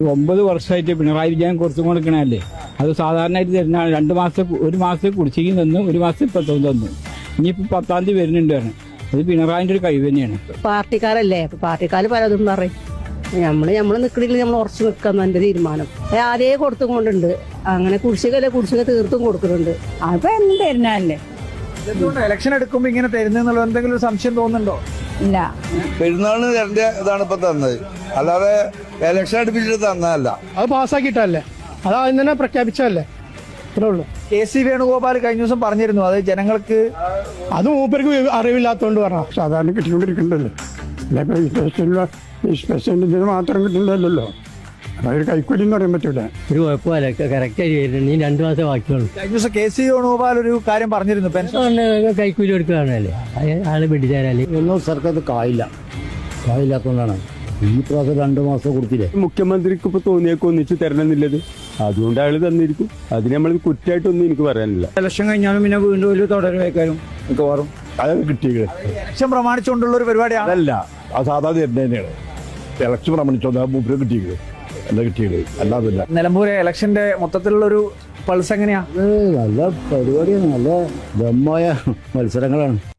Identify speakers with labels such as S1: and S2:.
S1: 9 വർഷമായിട്ട് പിണറായി വിജയൻ കുറച്ചും കൊടുക്കണല്ലേ. അത് സാധാരണയായിട്ട് തരുന്നതാണ്. 2 മാസം 1 മാസം കുടിശ്ശിക തന്നു, 1 മാസം ഇപ്പം തന്നു. ഇനിയിപ്പോൾ 10-ാം തീയതി വരുന്നുണ്ട് പറഞ്ഞു. അത് പിണറായിൻ്റെ ഒരു കഴിവ് തന്നെയാണ്.
S2: പാർട്ടിക്കാരല്ലേ, പാർട്ടിക്കാർ പലതും പറയും. നമ്മള് നിൽക്കണില്ല, നമ്മൾ ഉറച്ചു നിൽക്കുന്ന എന്റെ തീരുമാനം. ആദ്യേ കൊടുത്തും കൊണ്ടുണ്ട്. അങ്ങനെ കുടിശ്ശിക തീർത്തും കൊടുക്കുന്നുണ്ട്. അപ്പൊ എന്ത് തരുന്നല്ലേ.
S3: ഇലക്ഷൻ എടുക്കുമ്പോ ഇങ്ങനെ തരുന്നുള്ള എന്തെങ്കിലും ഒരു സംശയം തോന്നുന്നുണ്ടോ?
S2: ഇല്ല,
S4: പെരുന്നാളിന് തരേണ്ട ഇതാണ് ഇപ്പൊ തന്നത്, അല്ലാതെ ഇലക്ഷൻ അടുപ്പിച്ചിട്ട് തന്നതല്ല.
S5: അത് പാസ്സാക്കിയിട്ടല്ലേ, അത് ആദ്യം തന്നെ പ്രഖ്യാപിച്ചതല്ലേ, അത്രേ ഉള്ളൂ.
S3: കെ.സി. വേണുഗോപാൽ കഴിഞ്ഞ ദിവസം പറഞ്ഞിരുന്നു അത് ജനങ്ങൾക്ക്
S5: അത് മൂപ്പർക്ക് അറിവില്ലാത്തോണ്ട് പറഞ്ഞ സാധാരണ കിട്ടിക്കൊണ്ടിരിക്കണ്ടല്ലോ. സ്പെഷ്യൽ ഇതിന് മാത്രം കിട്ടുന്നില്ലല്ലോ. അതൊരു കൈക്കൂലി എന്ന് പറയാൻ പറ്റൂല.
S6: ഒരു കുഴപ്പമില്ല, കറക്റ്റായി വരുന്നുണ്ട്. നീ 2 മാസം ബാക്കിയുള്ളൂ.
S3: കഴിഞ്ഞ ദിവസം കെ.സി. വേണുഗോപാൽ ഒരു കാര്യം പറഞ്ഞിരുന്നു, പെൻഷൻ
S6: കൈക്കൂലി കൊടുക്കുകയാണല്ലേ, ആള് പിടിച്ചാലേ
S7: ഒന്നും സർക്കാർ കായില്ലാത്തതുകൊണ്ടാണ് ഈ പ്രാവശ്യം 2 മാസം കൊടുത്തില്ലേ.
S8: മുഖ്യമന്ത്രിക്ക് ഇപ്പൊ തോന്നിയൊക്കെ ഒന്നിച്ച് തരണമെന്നുള്ളത്, അതുകൊണ്ട് അയാൾ തന്നിരിക്കും. അതിന് നമ്മൾ കുറ്റമായിട്ടൊന്നും എനിക്ക് പറയാനില്ല.
S1: ഇലക്ഷൻ കഴിഞ്ഞാലും പിന്നെ വീണ്ടും ഒരു തുടരുവയ്ക്കാരും മിക്കവാറും
S8: അത് കിട്ടിയത്
S3: ഇലക്ഷൻ പ്രമാണിച്ചുകൊണ്ടുള്ള ഒരു പരിപാടിയാണ്.
S8: അതല്ല, അത് സാധാരണ തന്നെയാണ്. ഇലക്ഷൻ പ്രമാണിച്ചോ മൂപ്പര് കിട്ടിയത് എന്താ കിട്ടിയത്, അല്ലാതല്ല.
S3: നിലമ്പൂരെ ഇലക്ഷന്റെ മൊത്തത്തിലുള്ള ഒരു പൾസ് എങ്ങനെയാ?
S7: നല്ല പരിപാടിയാണ്, നല്ല ദമ്മായ മത്സരങ്ങളാണ്.